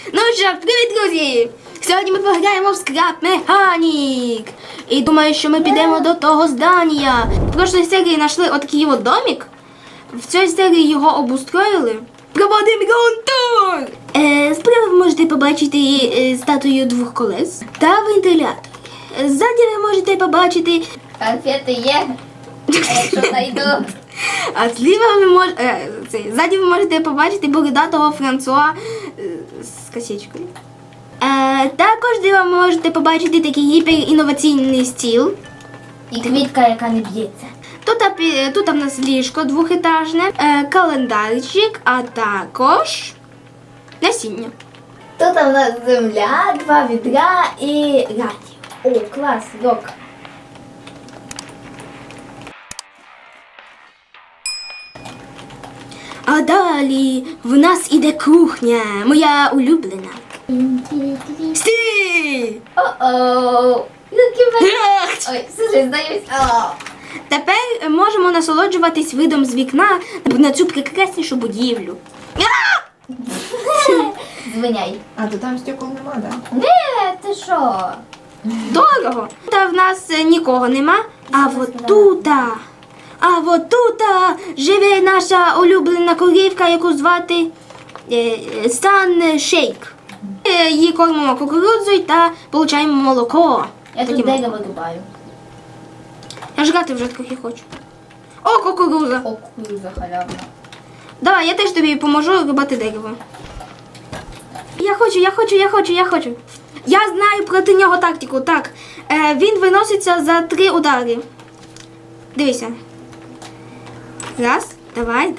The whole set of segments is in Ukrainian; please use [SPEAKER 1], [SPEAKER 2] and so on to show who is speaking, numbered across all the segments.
[SPEAKER 1] Ну що, привіт, друзі! Сьогодні ми пограємо в Scrap Mechanic. І думаю, що ми підемо до того здання. В прошлій серії знайшли отакий от домик. В цій серії його обустроїли. Проводимо ґрунт-тур! Справа ви можете побачити статую двох колес та вентилятор. Ззаді ви можете побачити...
[SPEAKER 2] Конфети є, якщо знайду.
[SPEAKER 1] А зліва ви можете... Ззаді ви можете побачити бородатого Франсуа з косичкою. Також зліва ви можете побачити такий гіперінноваційний стіл.
[SPEAKER 2] І квітка, яка не б'ється.
[SPEAKER 1] Тут в нас ліжко двохетажне, календарчик, а також насіння.
[SPEAKER 2] Тут у нас земля, 2 відра і радіо. О, клас, рок.
[SPEAKER 1] А далі в нас іде кухня, моя улюблена. Стій!
[SPEAKER 2] О-оу. Ой, слушай, здаюсь.
[SPEAKER 1] Тепер можемо насолоджуватись видом з вікна на цю прекраснішу будівлю.
[SPEAKER 2] Звиняй.
[SPEAKER 3] А, то там стекол нема, да?
[SPEAKER 2] Не, ти що?
[SPEAKER 1] Дорого. Та в нас нікого нема. А от тут живе наша улюблена корівка, яку звати Сан Шейк. Її кормимо кукурудзою та получаємо молоко.
[SPEAKER 2] Я тут дерево рубаю.
[SPEAKER 1] Я жрати вже трохи хочу. О, кукурудза.
[SPEAKER 2] О, кукурудза халявна.
[SPEAKER 1] Давай, я теж тобі поможу рубати дерево. Я хочу. Я знаю проти нього тактику. Так, він виноситься за 3 удари. Дивися. Раз, давай.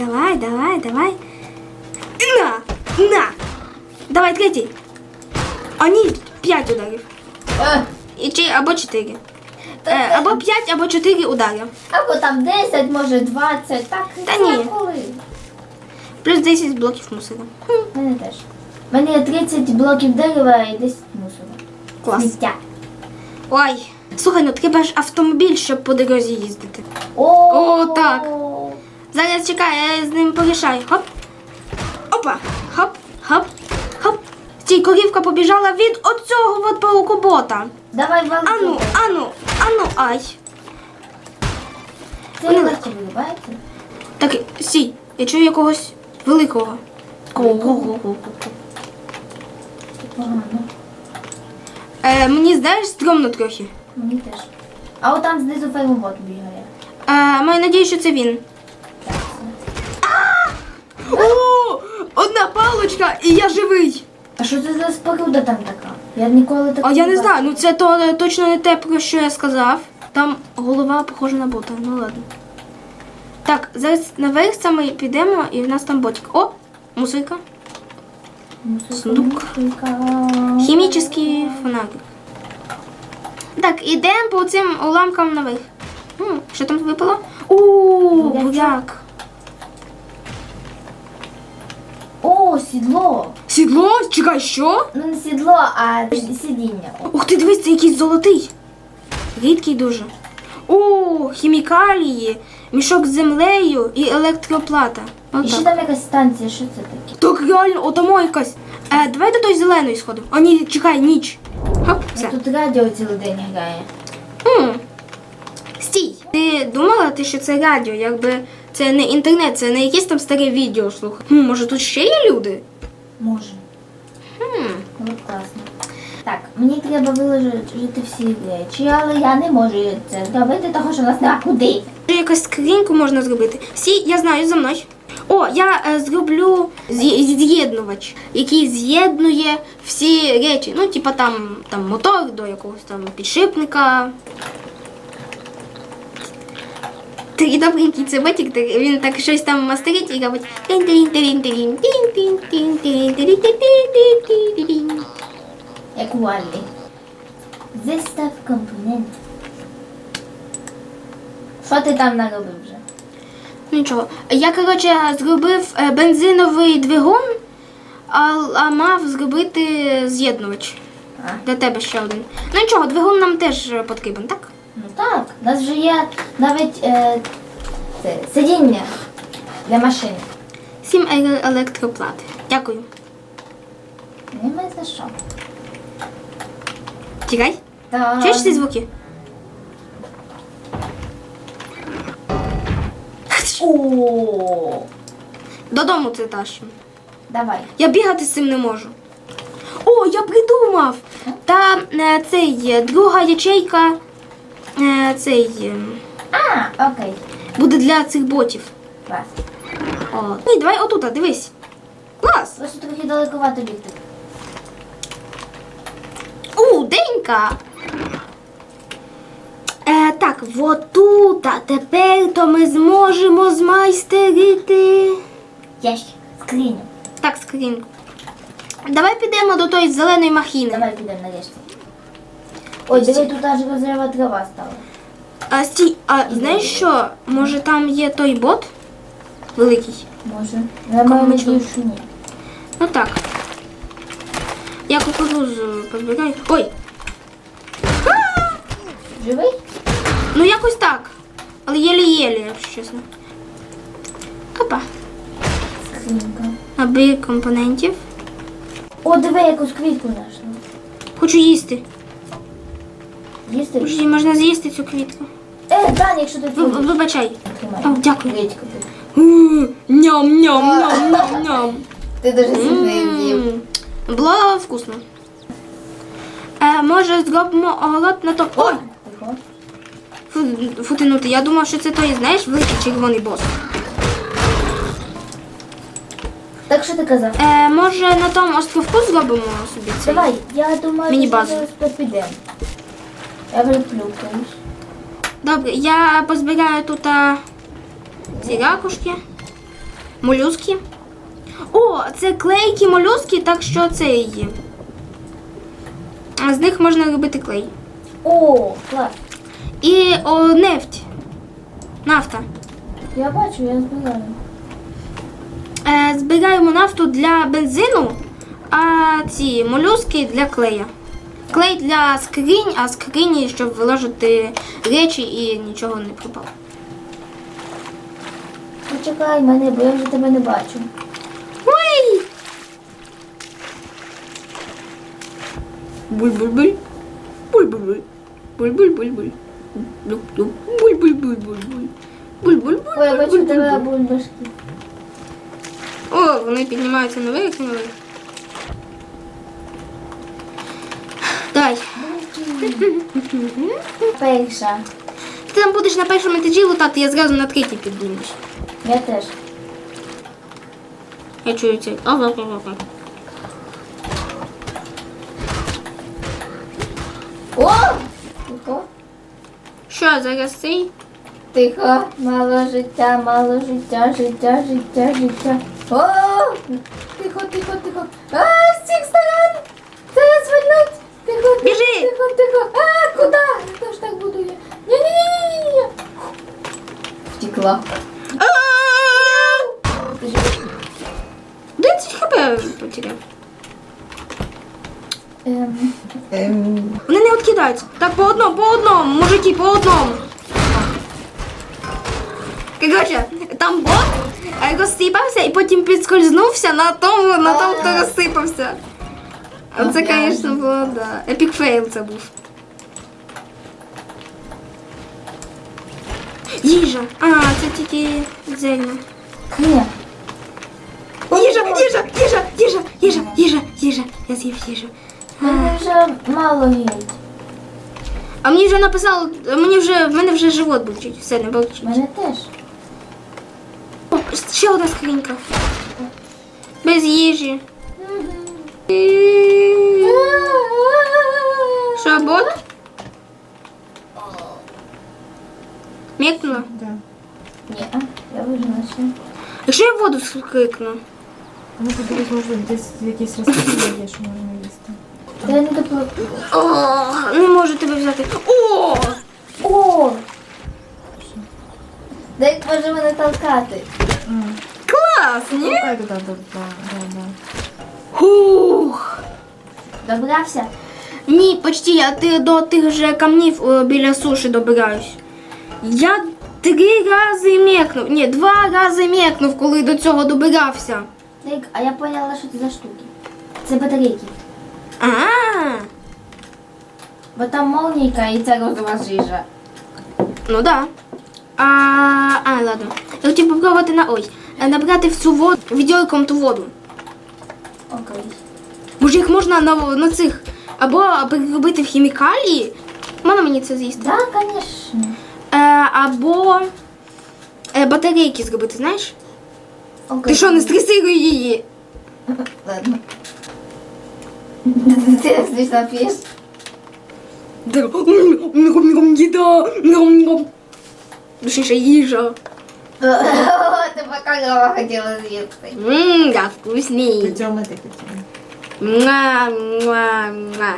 [SPEAKER 1] На. Давай, третій. А ні, 5 ударів. Або 4. Або 5, або 4 удари.
[SPEAKER 2] Або там 10, може 20, так.
[SPEAKER 1] Та ні.
[SPEAKER 2] Коли?
[SPEAKER 1] Плюс 10 блоків мусора.
[SPEAKER 2] У мене теж. У мене є 30 блоків дерева і 10 мусора.
[SPEAKER 1] Клас.
[SPEAKER 2] Сміття.
[SPEAKER 1] Ой, слухай, ну треба ж автомобіль, щоб по дорозі їздити.
[SPEAKER 2] О,
[SPEAKER 1] так. Зараз чекай, я з ним порішаю. Хоп. Опа. Хоп. Стій, корівка побіжала від оцього от паукобота.
[SPEAKER 2] Давай валки.
[SPEAKER 1] Ану, ай.
[SPEAKER 2] Це легко виливається?
[SPEAKER 1] Так, стій, я чую якогось великого.
[SPEAKER 2] Погано.
[SPEAKER 1] Мені, знаєш, стрьомно трохи.
[SPEAKER 2] Мені теж. А от там знизу фермобот бігає.
[SPEAKER 1] Маю надію, що це він. О, одна паличка і я живий.
[SPEAKER 2] А що це за споруда там така? Я ніколи такого
[SPEAKER 1] А я не
[SPEAKER 2] бачила.
[SPEAKER 1] знаю, ну це точно не те, про що я сказав. Там голова похожа на бота, ну ладно. Так, зараз наверх саме підемо і в нас там ботик. О, мусорка. Сундук. Хімічний фонарик. Так, ідемо по цим уламкам наверх. Що там випало? Буряк.
[SPEAKER 2] О, сідло.
[SPEAKER 1] Сідло? Чекай, що?
[SPEAKER 2] Ну не сідло, а сидіння.
[SPEAKER 1] Ух ти, дивись, це якийсь золотий. Рідкий дуже. О, хімікалії, мішок з землею і електроплата.
[SPEAKER 2] І ще там якась станція, що це таке?
[SPEAKER 1] Так реально, отамо якась. Давай до той зеленої сходимо. О, ні, чекай, ніч. Хоп, все.
[SPEAKER 2] Тут радіо цілий день грає.
[SPEAKER 1] Стій. Ти думала, що це радіо, якби це не інтернет, це не якесь там старе відео слухати. Може тут ще є люди?
[SPEAKER 2] Може. Було б класно. Так, мені треба виложити всі речі, але я не можу це зробити, тому що в нас нема куди.
[SPEAKER 1] Якусь скриньку можна зробити. Я знаю, за мною. О, я зроблю з'єднувач, який з'єднує всі речі. Ну, типа там мотор до якогось там підшипника. Такий добренький цеботик, він так щось там мастерить і робить.
[SPEAKER 2] Як у Валлі. Зістав компонент. Що ти там наробив вже?
[SPEAKER 1] Нічого. Я, коротше, зробив бензиновий двигун, а мав зробити з'єднувач. Для тебе ще один. Ну нічого, двигун нам теж потрібен, так?
[SPEAKER 2] Ну так, у нас вже є навіть це, сидіння для машини.
[SPEAKER 1] 7 електроплат. Дякую.
[SPEAKER 2] Нема за що.
[SPEAKER 1] Тікай.
[SPEAKER 2] Так.
[SPEAKER 1] Чуєш ці звуки?
[SPEAKER 2] О,
[SPEAKER 1] Додому це тащимо.
[SPEAKER 2] давай.
[SPEAKER 1] Я бігати з цим не можу. О, я придумав! Та друга ячейка
[SPEAKER 2] Окей.
[SPEAKER 1] буде для цих ботів.
[SPEAKER 2] Клас.
[SPEAKER 1] О. Ні, давай отут, дивись. Клас!
[SPEAKER 2] Просто трохи далековато бігти.
[SPEAKER 1] Денька! Так, отут, а тепер то ми зможемо змайстерити.
[SPEAKER 2] Ящик. Скриню.
[SPEAKER 1] Так, скриньку. Давай підемо до тої зеленої махіни.
[SPEAKER 2] Давай підемо нарешті. Ой, диви, тут аж розрива трава стала.
[SPEAKER 1] Стій, знаєш що? Може там є той бот? Великий.
[SPEAKER 2] Може. Я маю
[SPEAKER 1] Кому чого?
[SPEAKER 2] надію, що ні.
[SPEAKER 1] Ну так. Я кукурузу позбираю. Ой!
[SPEAKER 2] Живий?
[SPEAKER 1] Ну якось так. Але єлі-єлі, якщо чесно. Опа.
[SPEAKER 2] Скринька.
[SPEAKER 1] Набір компонентів.
[SPEAKER 2] О, диви, якусь квітку знайшла.
[SPEAKER 1] Хочу їсти.
[SPEAKER 2] Їсти?
[SPEAKER 1] Подожди, можна з'їсти цю квітку.
[SPEAKER 2] Дан, якщо ти будеш.
[SPEAKER 1] Вибачай.
[SPEAKER 2] Тримай.
[SPEAKER 1] О, дякую.
[SPEAKER 2] Квітку.
[SPEAKER 1] Ням-ням-ням-ням-ням.
[SPEAKER 2] Ти дуже сильно з'їв.
[SPEAKER 1] Було вкусно. Може зробимо оголод на то. Ой!
[SPEAKER 2] Тихо.
[SPEAKER 1] Футинути. Я думав, що це той, знаєш, великий червоний бос.
[SPEAKER 2] Так що ти казав?
[SPEAKER 1] Може на тому островку зробимо собі цей?
[SPEAKER 2] Давай, я думаю,
[SPEAKER 1] Міні-базу.
[SPEAKER 2] що зараз підемо. Я виплюкаюсь.
[SPEAKER 1] Добре, я позбираю тут ці ракушки, молюски. О, це клейкі молюски, так що це є. З них можна робити клей.
[SPEAKER 2] О, клас.
[SPEAKER 1] І нефть. Нафта.
[SPEAKER 2] Я бачу, я збираю.
[SPEAKER 1] Збираємо нафту для бензину, а ці молюски для клея. Клей для скринь, а скрині, щоб виложити речі і нічого не пропало.
[SPEAKER 2] Почекай мене, бо я вже тебе не бачу.
[SPEAKER 1] Ой! Буль-буль-буль. Буль-буль-буль. Буль-буль-буль-буль. Буль-буль-буль-буль-буль. Буль-буль-буль.
[SPEAKER 2] Ой, я бачу тебе бульбашки.
[SPEAKER 1] О, вони піднімаються наверх, наверх. Давай.
[SPEAKER 2] Перша.
[SPEAKER 1] Ти там будеш на першому етажі лутати, я зразу на третій піднімусь.
[SPEAKER 2] Я теж.
[SPEAKER 1] Я чую цей. Ага.
[SPEAKER 2] О! Тихо.
[SPEAKER 1] Що, зараз цей?
[SPEAKER 2] Тихо. Мало життя, мало життя, життя, життя, життя. О! Тихо, тихо, тихо. А, з цих сторон! Зараз вильнуть! Тихо, тихо,
[SPEAKER 1] Біжи!
[SPEAKER 2] тихо, тихо. А, куди? Хто ж так буду я? Ні-ні-ні-ні-ні. Втекла. Ти ж-
[SPEAKER 1] 10 хп потеряв. Вони не відкидаються. Так, по одному, мужики, по одному. Короче, там бот розсипався і потім підскользнувся на тому, хто розсипався. А це, звісно, було, да. Епік фейл це був. Їжа. А, це тільки зельна.
[SPEAKER 2] Ні.
[SPEAKER 1] Їжа. Я з'їв їжу.
[SPEAKER 2] Мене вже мало їсть.
[SPEAKER 1] А мені вже написало, в мене вже живот болить. Все, не болить.
[SPEAKER 2] Мене теж.
[SPEAKER 1] О, ще одна скринька. Без їжі. Що, бот? Мекнула?
[SPEAKER 3] Да.
[SPEAKER 2] Ні, я вижила ще.
[SPEAKER 1] Якщо я воду скрикну?
[SPEAKER 3] Ну, подивись, може, десь якісь розпочали є, що можна їсти.
[SPEAKER 2] Та я не допливу.
[SPEAKER 1] О, не можу тебе взяти. О!
[SPEAKER 2] О! Дай може мене толкати.
[SPEAKER 1] Клас, ні?
[SPEAKER 3] Да.
[SPEAKER 1] Хух.
[SPEAKER 2] Добрався?
[SPEAKER 1] Ні, почти, я до тих же камнів біля суші добираюсь. Я 3 рази мекнув. Ні, 2 рази мекнув, коли до цього добирався.
[SPEAKER 2] Дик, а я поняла, що це за штуки. Це батарейки.
[SPEAKER 1] А,
[SPEAKER 2] Бо там молнійка і це розова жижа.
[SPEAKER 1] ну да. Ладно. Я хотів попробувати набрати в цю воду, відьорком ту воду.
[SPEAKER 2] Окей.
[SPEAKER 1] Може їх можна на цих, або переробити в хімікалії. Можна мені це з'їсти?
[SPEAKER 2] Так, звісно.
[SPEAKER 1] Або батарейки зробити, знаєш?
[SPEAKER 2] Окей.
[SPEAKER 1] Ти що, не стресируй її?
[SPEAKER 2] Ладно. Ти смішно п'єш?
[SPEAKER 1] Їда. Точніше, їжа.
[SPEAKER 2] Ти покакала хотіла з'їсти.
[SPEAKER 1] Да, вкусний.
[SPEAKER 3] Цьому ти хотіла.
[SPEAKER 1] Муа, муа, муа.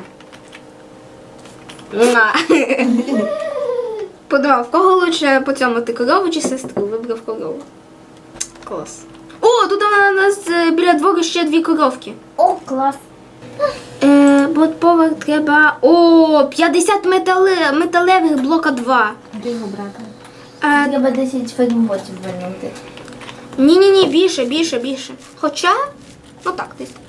[SPEAKER 1] Муа. Подумав, в кого лучше по цьому, ти корову чи сестру? Вибрав корову. Клас. О, тут у нас біля двору ще 2 коровки.
[SPEAKER 2] О, клас.
[SPEAKER 1] Блокповер треба... О, 50 металевих блока 2.
[SPEAKER 3] Де його брати?
[SPEAKER 2] Треба 10 фермотів вернути.
[SPEAKER 1] Ні, більше. Хоча, ну так, десь так.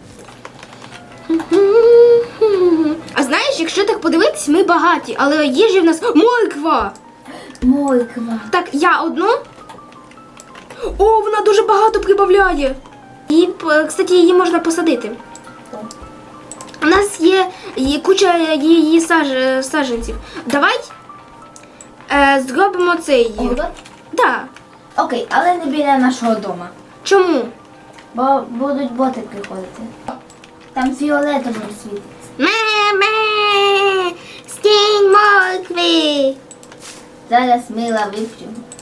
[SPEAKER 1] А знаєш, якщо так подивитись, ми багаті, але їжі в нас морква.
[SPEAKER 2] Морква.
[SPEAKER 1] Так, я одну. О, вона дуже багато прибавляє. І, кстати, її можна посадити. У нас є куча її саджанців. Давай зробимо цей.
[SPEAKER 2] Огород?
[SPEAKER 1] Да.
[SPEAKER 2] Окей, але не біля нашого дома.
[SPEAKER 1] Чому?
[SPEAKER 2] Бо будуть боти приходити. Там фіолетовим світиться.
[SPEAKER 1] Ме-ме! Стінь моркви!
[SPEAKER 2] Зараз мила вип'ю.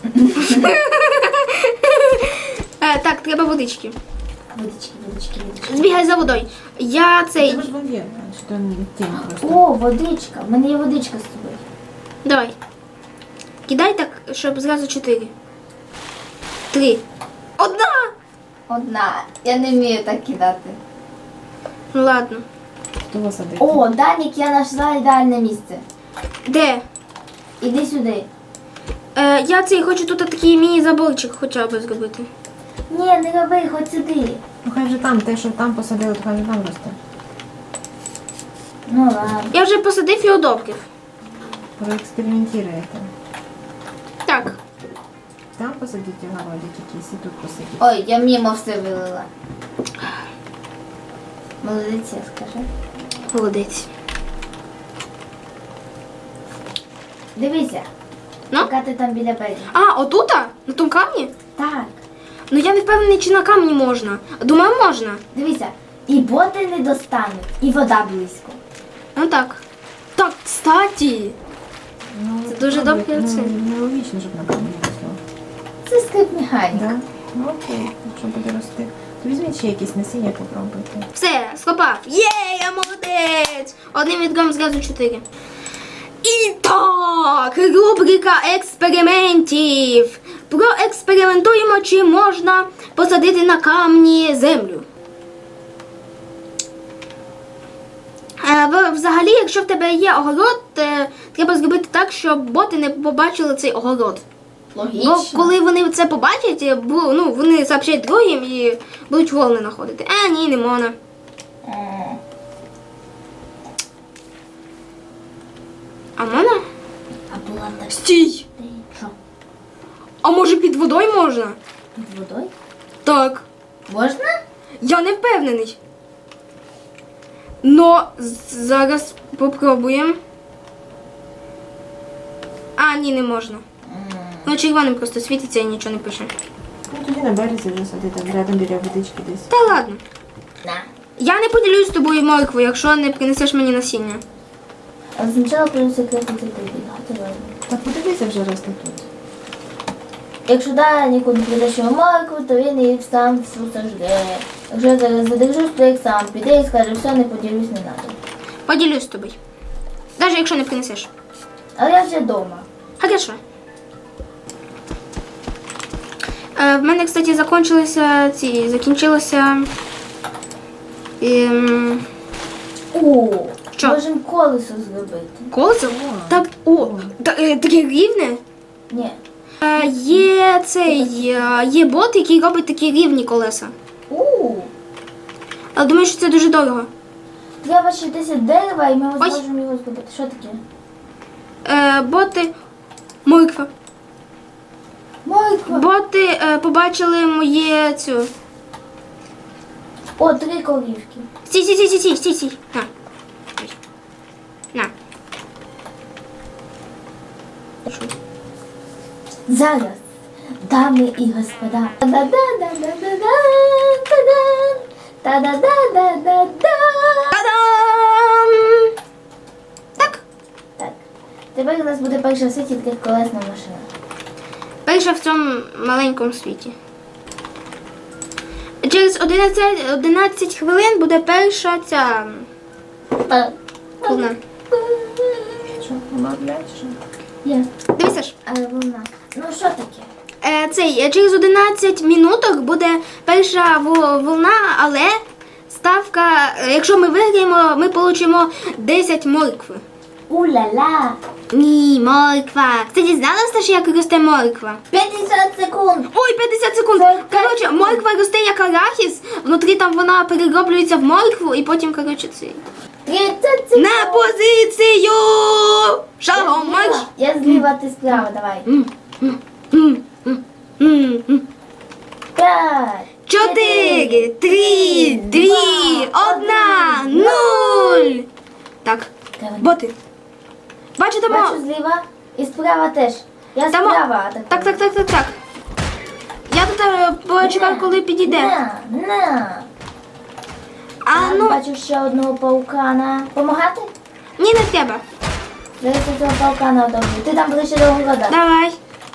[SPEAKER 1] Так, треба водички.
[SPEAKER 2] Водички.
[SPEAKER 1] Збігай за водою. Я цей.
[SPEAKER 3] Це ж вон є, що не тінь просто.
[SPEAKER 2] О, водичка. У мене є водичка з тобою.
[SPEAKER 1] Давай. Кидай так, щоб зразу 4. 3. Одна!
[SPEAKER 2] Одна. Я не вмію так кидати.
[SPEAKER 1] Ну ладно.
[SPEAKER 3] Хто садить?
[SPEAKER 2] О, Данік, я знайшла ідеальне місце.
[SPEAKER 1] Де?
[SPEAKER 2] Іди сюди.
[SPEAKER 1] Я цей хочу тут такий міні-заборчик хоча б зробити.
[SPEAKER 2] Ні, не роби, хоч сюди.
[SPEAKER 3] Ну хай же там, те, що там посадили, то хай же там росте.
[SPEAKER 2] Ну ладно.
[SPEAKER 1] Я вже посадив і одобрив.
[SPEAKER 3] Проекспериментуєте.
[SPEAKER 1] Так.
[SPEAKER 3] Там посадіть огородик якийсь і тут посадіть.
[SPEAKER 2] Ой, я мимо все вилила. Молодець, скажи.
[SPEAKER 1] Молодець.
[SPEAKER 2] Дивися,
[SPEAKER 1] Ну?
[SPEAKER 2] яка ти там біля берега.
[SPEAKER 1] А, отута? На тому камні?
[SPEAKER 2] Так,
[SPEAKER 1] Ну я не впевнений, чи на камні можна. Думаю, можна.
[SPEAKER 2] дивися. І боти не достануть, і вода близько.
[SPEAKER 1] Ну так. Так, кстати.
[SPEAKER 3] Ну,
[SPEAKER 1] Це дуже
[SPEAKER 3] пробуйте.
[SPEAKER 1] добре це.
[SPEAKER 3] Ну, нелогічно, щоб на камені росло.
[SPEAKER 2] Це скрип механіка.
[SPEAKER 3] Да? Ну окей, якщо буде рости. То візьміть ще якісь насіння, попробуйте.
[SPEAKER 1] Все, схопав. Є, я молодець. Одним відгом зразу 4. І так, рубрика експериментів. Проекспериментуємо, чи можна посадити на камні землю. Взагалі, якщо в тебе є огород, треба зробити так, щоб боти не побачили цей огород.
[SPEAKER 2] Логічно.
[SPEAKER 1] Бо коли вони це побачать, вони сообщать другим і будуть волни знаходити. Ні, не можна. А можна?
[SPEAKER 2] А була так.
[SPEAKER 1] Стій!
[SPEAKER 2] Що?
[SPEAKER 1] А може під водою можна?
[SPEAKER 2] Під водою?
[SPEAKER 1] Так.
[SPEAKER 2] Можна?
[SPEAKER 1] Я не впевнений. Но зараз попробуємо. Ні, не можна. Ну, червоним просто світиться і нічого не пише.
[SPEAKER 3] Ну тоді на березі вже садити, рядом біля водички десь.
[SPEAKER 1] Та ладно.
[SPEAKER 2] На.
[SPEAKER 1] Я не поділюсь з тобою моркву, якщо не принесеш мені насіння.
[SPEAKER 2] А спочатку буду секретно це прибігати. ладно.
[SPEAKER 3] Так подивися вже росте тут.
[SPEAKER 2] Якщо Даніку не придаш його моркву, то він її сам всю сожде. Якщо я зараз задержусь, то як сам піде і скаже, все, не поділюсь, не надо.
[SPEAKER 1] Поділюсь з тобою. Навіть якщо не принесеш.
[SPEAKER 2] Але я вже вдома.
[SPEAKER 1] Хорошо. В мене, кстати, закінчилося.
[SPEAKER 2] О,
[SPEAKER 1] Що?
[SPEAKER 2] можемо колесо зробити.
[SPEAKER 1] Колесо? Так, таке рівне.
[SPEAKER 2] Ні.
[SPEAKER 1] Є бот, який робить такі рівні колеса. Але думаю, що це дуже дорого.
[SPEAKER 2] Треба ще 10 дерева, і ми
[SPEAKER 1] Ой.
[SPEAKER 2] зможемо його зробити. Що таке?
[SPEAKER 1] Боти, морква.
[SPEAKER 2] Морква.
[SPEAKER 1] Боти побачили моє цю.
[SPEAKER 2] О, 3 корівки.
[SPEAKER 1] Стій. На. Ой. На.
[SPEAKER 2] Зараз, дами і господа. Та-да-да-да-да-да-да. Та-да-да-да-да-да.
[SPEAKER 1] Та-дам! Так.
[SPEAKER 2] Так. Тепер у нас буде перша в світі триколесна машина.
[SPEAKER 1] Перша в цьому маленькому світі. Через 11 хвилин буде перша ця волна.
[SPEAKER 3] Що, помовляєш?
[SPEAKER 2] Є.
[SPEAKER 1] Дивися ж.
[SPEAKER 2] Але вона. Ну що таке?
[SPEAKER 1] Через 11 минуток буде перша волна, але ставка, якщо ми виграємо, ми отримаємо 10 моркви.
[SPEAKER 2] У-ля-ла.
[SPEAKER 1] Ні, морква. Ти дізналася, що як росте морква?
[SPEAKER 2] 50 секунд.
[SPEAKER 1] Ой, 50 секунд. Коротше, морква росте як арахіс, внутрі там вона перероблюється в моркву і потім, коротше, це.
[SPEAKER 2] 30 секунд.
[SPEAKER 1] На позицію! Шагом марш!
[SPEAKER 2] Я зліва, ти справа, давай.
[SPEAKER 1] М, м, м, м.
[SPEAKER 2] 5.
[SPEAKER 1] 4, 3, 2, 1, 0. Так, боти. Бачите,
[SPEAKER 2] Бачу зліва і справа теж. Я
[SPEAKER 1] Там-
[SPEAKER 2] справа.
[SPEAKER 1] Так. Я тут почекаю, коли підійде.
[SPEAKER 2] На.
[SPEAKER 1] А ну,
[SPEAKER 2] Бачу ще одного паукана. Помагати?
[SPEAKER 1] ні, не треба.
[SPEAKER 2] Зараз я цього паукана одобрю. Ти там ближче до города.
[SPEAKER 1] Давай.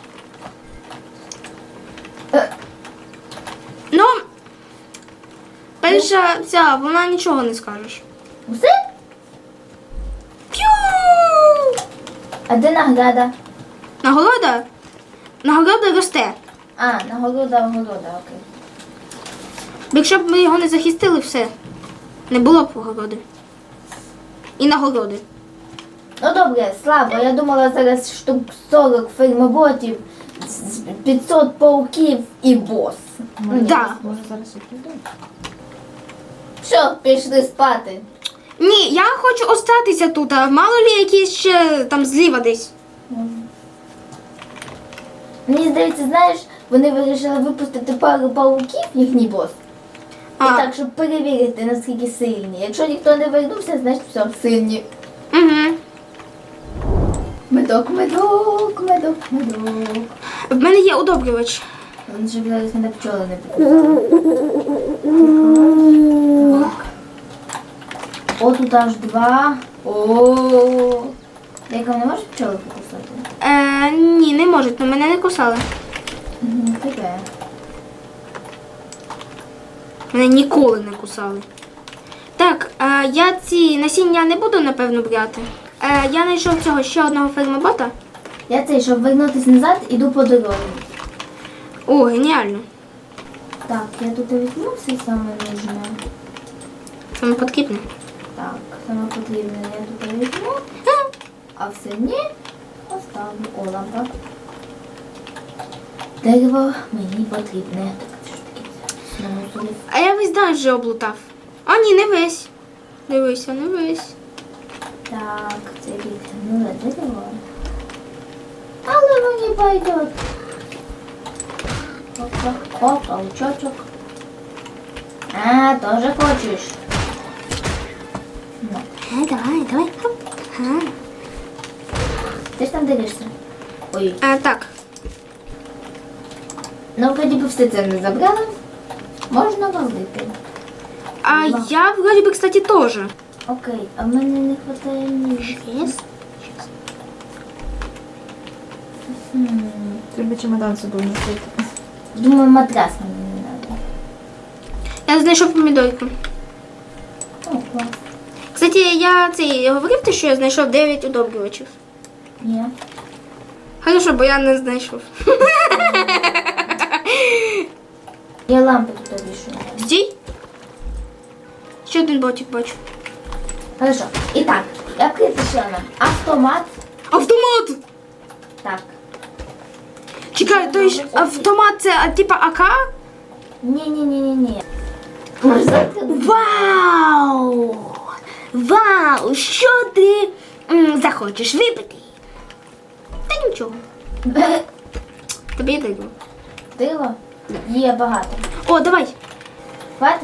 [SPEAKER 1] Ну, перша ця, вона нічого не скажеш.
[SPEAKER 2] Все?
[SPEAKER 1] П'ю!
[SPEAKER 2] А де награда?
[SPEAKER 1] Нагорода? Нагорода росте.
[SPEAKER 2] А, нагорода, окей.
[SPEAKER 1] Якщо б ми його не захистили, все. Не було б нагороди. І нагороди.
[SPEAKER 2] Ну добре, слабо. Я думала зараз штук 40 фермоботів, 500 пауків і бос. Ну, ні.
[SPEAKER 1] Да.
[SPEAKER 3] Може зараз і прийде?
[SPEAKER 2] Що, пішли спати?
[SPEAKER 1] Ні, я хочу остатися тут, а мало лі якісь ще там зліва десь.
[SPEAKER 2] Мені здається, знаєш, вони вирішили випустити пару пауків, їхній бос. І
[SPEAKER 1] А.
[SPEAKER 2] так, щоб перевірити, наскільки сильні. Якщо ніхто не вернувся, значить все, сильні.
[SPEAKER 1] Угу.
[SPEAKER 2] Медок.
[SPEAKER 1] В мене є удобрювач.
[SPEAKER 2] Він же зараз мене пчоли не буде. Так. О, тут аж 2. О. Яка не може пчоли покусати?
[SPEAKER 1] Ні, не можуть, але мене не кусали.
[SPEAKER 2] Таке.
[SPEAKER 1] Мене ніколи не кусали. Так, я ці насіння не буду, напевно, брати. Я знайшов цього ще одного фермобота.
[SPEAKER 2] Я цей, щоб вернутися назад, іду по дорозі.
[SPEAKER 1] О, геніально.
[SPEAKER 2] Так, я тут візьму все саме нужне.
[SPEAKER 1] Саме потрібне.
[SPEAKER 2] Так, саме потрібне я тут візьму, а все ні, оставлю. О, лампа. Дерево мені потрібне. Так, що таке? Намусорив.
[SPEAKER 1] А я весь день вже облутав. А ні, не весь. Дивися, не весь.
[SPEAKER 2] Так, це відгнуле дерево. Але мені пойдет. Опа, паучочок. А, тоже хочеш? Ну,
[SPEAKER 1] Давай. Хоп.
[SPEAKER 2] ти ж там дивишся. Ой,
[SPEAKER 1] Так.
[SPEAKER 2] ну вроді би все це не забрали. Можна валити.
[SPEAKER 1] А я, вроде бы, кстати, тоже.
[SPEAKER 2] Окей, а в мене не вистачає ніж.
[SPEAKER 3] Треба чемодан з собою носити.
[SPEAKER 2] Думаю, матрас мені не треба.
[SPEAKER 1] Я знайшов помідорку.
[SPEAKER 2] О, клас.
[SPEAKER 1] Кстати, я говорив те, що я знайшов 9 удобрювачів.
[SPEAKER 2] Ні.
[SPEAKER 1] Хорошо, бо я не знайшов.
[SPEAKER 2] Я лампи тут вішаю.
[SPEAKER 1] Стій. Ще один ботик бачу.
[SPEAKER 2] Хорошо. І так, я припишила нам автомат.
[SPEAKER 1] Автомат!
[SPEAKER 2] Так.
[SPEAKER 1] Чекай, то есть автомат це типа АК?
[SPEAKER 2] Ні. Може, завтра?
[SPEAKER 1] Вау! Вау! Що ти захочеш випити? Та нічого. Тобі даю.
[SPEAKER 2] Диво? Є багато.
[SPEAKER 1] О, давай.
[SPEAKER 2] Хватить?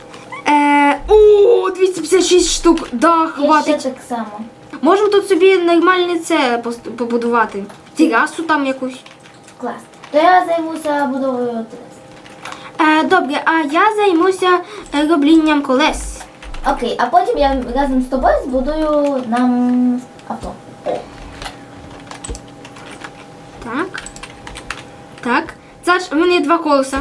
[SPEAKER 1] О, 256 штук. Да,
[SPEAKER 2] Є ще
[SPEAKER 1] хватить.
[SPEAKER 2] так само.
[SPEAKER 1] Можемо тут собі нормальне це побудувати. Терасу там якусь.
[SPEAKER 2] Клас. То я займуся будовою терас.
[SPEAKER 1] Добре, а я займуся роблінням колес.
[SPEAKER 2] Окей, а потім я разом з тобою збудую нам авто. О.
[SPEAKER 1] Так. Так. Саш, у мене є 2 колеса.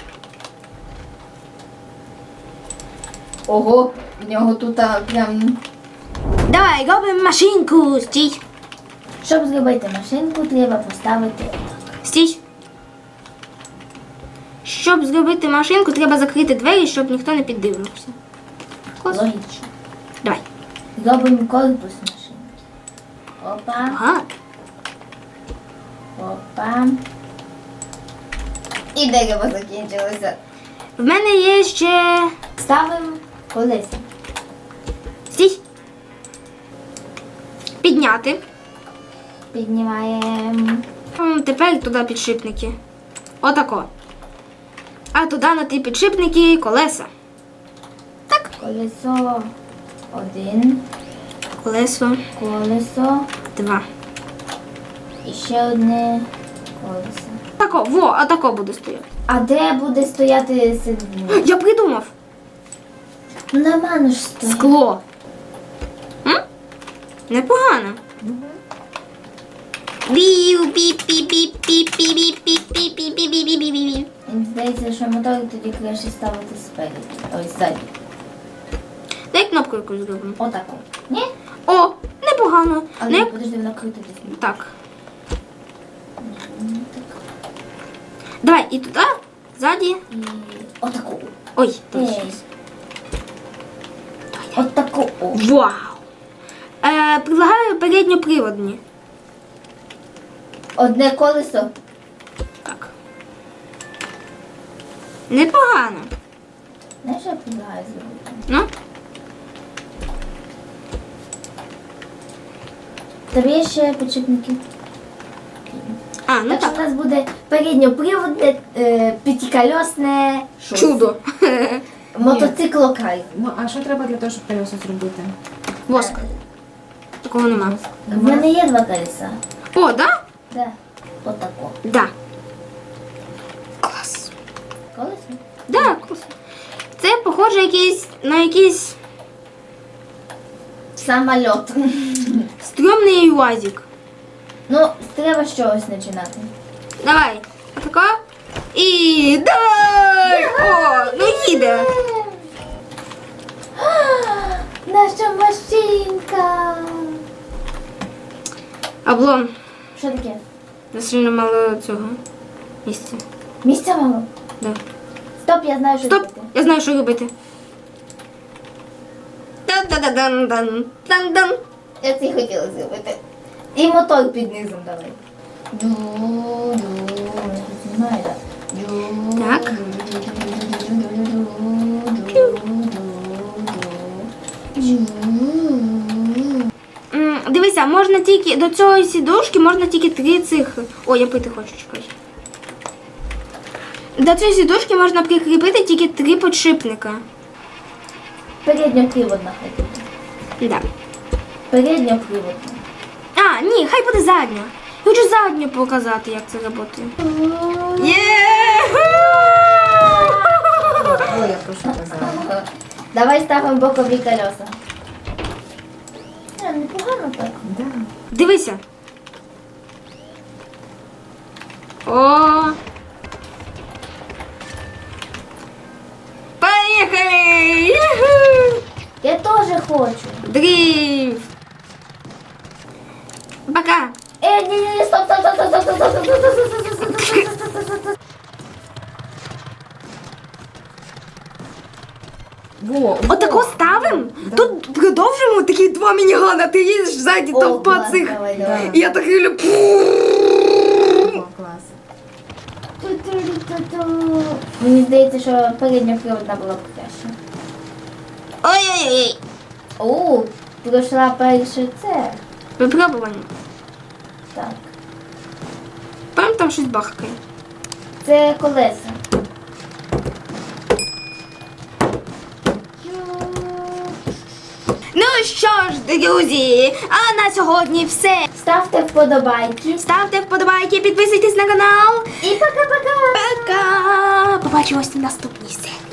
[SPEAKER 2] Ого, в нього тут прям.
[SPEAKER 1] Давай, робимо машинку. Стій.
[SPEAKER 2] Щоб зробити машинку, треба поставити отак.
[SPEAKER 1] Стій. Щоб зробити машинку, треба закрити двері, щоб ніхто не піддивився. Клас.
[SPEAKER 2] Логічно.
[SPEAKER 1] Давай.
[SPEAKER 2] Робимо корпус машинки. Опа,
[SPEAKER 1] Ага.
[SPEAKER 2] опа. І дерево закінчилося.
[SPEAKER 1] В мене є ще.
[SPEAKER 2] Ставимо колеса.
[SPEAKER 1] Стій. Підняти.
[SPEAKER 2] Піднімаємо.
[SPEAKER 1] Тепер туди підшипники. Отако. А туди на ті підшипники колеса. Так.
[SPEAKER 2] Колесо 1,
[SPEAKER 1] Колесо
[SPEAKER 2] колесо
[SPEAKER 1] 2.
[SPEAKER 2] і ще одне колесо.
[SPEAKER 1] Тако, во, а тако буде стояти.
[SPEAKER 2] А де буде стояти середина?
[SPEAKER 1] Я придумав.
[SPEAKER 2] Нормально ж стоїть.
[SPEAKER 1] Скло. Непогано. Бів, піп, піп, піп, піп, піп, піп, піп, піп, піп, піп, піп, піп, піп.
[SPEAKER 2] Мені здається, що мотор тоді краще ставити спереду. Ой, ззаді.
[SPEAKER 1] Дай кнопку якусь зробимо.
[SPEAKER 2] Отаку. Ні?
[SPEAKER 1] О, непогано.
[SPEAKER 2] Але
[SPEAKER 1] Не...
[SPEAKER 2] подожди, вона крутитись.
[SPEAKER 1] Так. Давай, і туди, ззаді.
[SPEAKER 2] І отаку.
[SPEAKER 1] Ой, тут
[SPEAKER 2] Ей.
[SPEAKER 1] щось.
[SPEAKER 2] Отаку. О.
[SPEAKER 1] Вау. Предлагаю передньоприводні.
[SPEAKER 2] Одне колесо.
[SPEAKER 1] Так. Непогано.
[SPEAKER 2] Знаєш, що я предлагаю зробити?
[SPEAKER 1] Ну?
[SPEAKER 2] Тобі є ще підшипники.
[SPEAKER 1] А, ну
[SPEAKER 2] Так що
[SPEAKER 1] так.
[SPEAKER 2] в нас буде передньоприводне, п'ятикольосне щось.
[SPEAKER 1] Чудо.
[SPEAKER 2] Мотоциклокай.
[SPEAKER 3] Ну, а що треба для того, щоб колеса зробити?
[SPEAKER 1] Воск. Такого нема.
[SPEAKER 2] В мене є 2 колеса.
[SPEAKER 1] О, да?
[SPEAKER 2] Да. Отако.
[SPEAKER 1] Да. Клас.
[SPEAKER 2] Колесо?
[SPEAKER 1] Да, клас. Це похоже на якийсь
[SPEAKER 2] Самольот.
[SPEAKER 1] стрьомний УАЗик.
[SPEAKER 2] Ну, треба з чогось починати.
[SPEAKER 1] Давай. Отако. І давай! О, ну їде.
[SPEAKER 2] Наша машинка.
[SPEAKER 1] Облом.
[SPEAKER 2] Що таке?
[SPEAKER 1] Сильно мало цього місця.
[SPEAKER 2] Місця мало?
[SPEAKER 1] Да.
[SPEAKER 2] Стоп, я знаю, що
[SPEAKER 1] Стоп,
[SPEAKER 2] робити.
[SPEAKER 1] я знаю, що робити. Дан-дан-дан-дан.
[SPEAKER 2] Я це й хотіла зробити. І мотор під низом давай. Знімаю, так?
[SPEAKER 1] Так. Дивися, можна тільки до цієї сідушки можна тільки 3 цих. О, я пити хочу, чекай. До цієї сідушки можна прикріпити тільки 3 підшипника.
[SPEAKER 2] Передньоприводна хай буде.
[SPEAKER 1] Да.
[SPEAKER 2] Передньоприводна.
[SPEAKER 1] А, ні, хай буде задня. Хочу задню показати, як це працює. Є!
[SPEAKER 3] Ой, я прошу казати.
[SPEAKER 2] Давай ставимо бокові колеса. Непогано так.
[SPEAKER 3] Да.
[SPEAKER 1] Дивися. О! Поїхали! Юху!
[SPEAKER 2] Я теж хочу.
[SPEAKER 1] Дрифт! Пока!
[SPEAKER 2] Ні, стоп, стоп, стоп, стоп, стоп, стоп, стоп, стоп, стоп, стоп, стоп, стоп, стоп, стоп, стоп.
[SPEAKER 3] Во,
[SPEAKER 1] Отако ставимо? Тут продовжимо такі 2 мінігана, ти їдеш ззаді
[SPEAKER 2] О,
[SPEAKER 1] товпа
[SPEAKER 2] клас,
[SPEAKER 1] цих.
[SPEAKER 2] давай, давай.
[SPEAKER 1] І я так люблю.
[SPEAKER 3] О, клас.
[SPEAKER 2] Мені здається, що передня приводна була б краще.
[SPEAKER 1] Ой-ой-ой.
[SPEAKER 2] О, пройшла перше це.
[SPEAKER 1] Випробування.
[SPEAKER 2] Так.
[SPEAKER 1] Прям там щось бахкає.
[SPEAKER 2] Це колеса.
[SPEAKER 1] Ну що ж, друзі, а на сьогодні все.
[SPEAKER 2] Ставте вподобайки.
[SPEAKER 1] Ставте вподобайки, підписуйтесь на канал.
[SPEAKER 2] І пока-пока!
[SPEAKER 1] Пока! Побачимось в наступній серії.